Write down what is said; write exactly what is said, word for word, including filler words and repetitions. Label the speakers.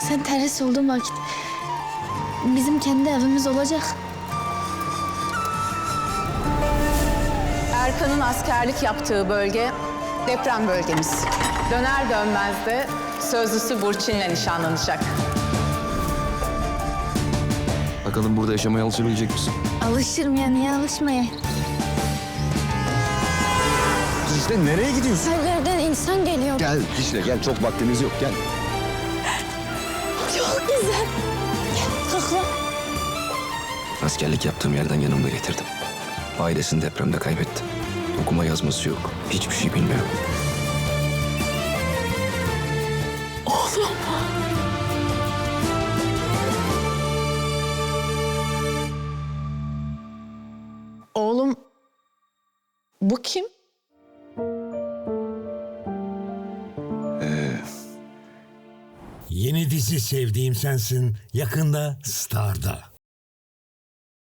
Speaker 1: Sen terhis olduğun vakit bizim kendi evimiz olacak.
Speaker 2: Erkan'ın askerlik yaptığı bölge deprem bölgemiz. Döner dönmez de sözlüsü Burçin'le nişanlanacak.
Speaker 3: Bakalım burada yaşamaya alışabilecek misin?
Speaker 1: Alışırım ya, niye alışmaya?
Speaker 3: Dicle nereye gidiyorsun?
Speaker 1: Her yerden insan geliyor.
Speaker 3: Gel Dicle gel, çok vaktimiz yok, gel.
Speaker 1: Çok güzel. Gel, kalk.
Speaker 3: Askerlik yaptığım yerden yanımda getirdim. Ailesini depremde kaybetti. Okuma yazması yok, hiçbir şey bilmiyor.
Speaker 1: Oğlum.
Speaker 2: Oğlum, bu kim?
Speaker 4: Yeni dizi Sevdiğim Sensin yakında Star'da.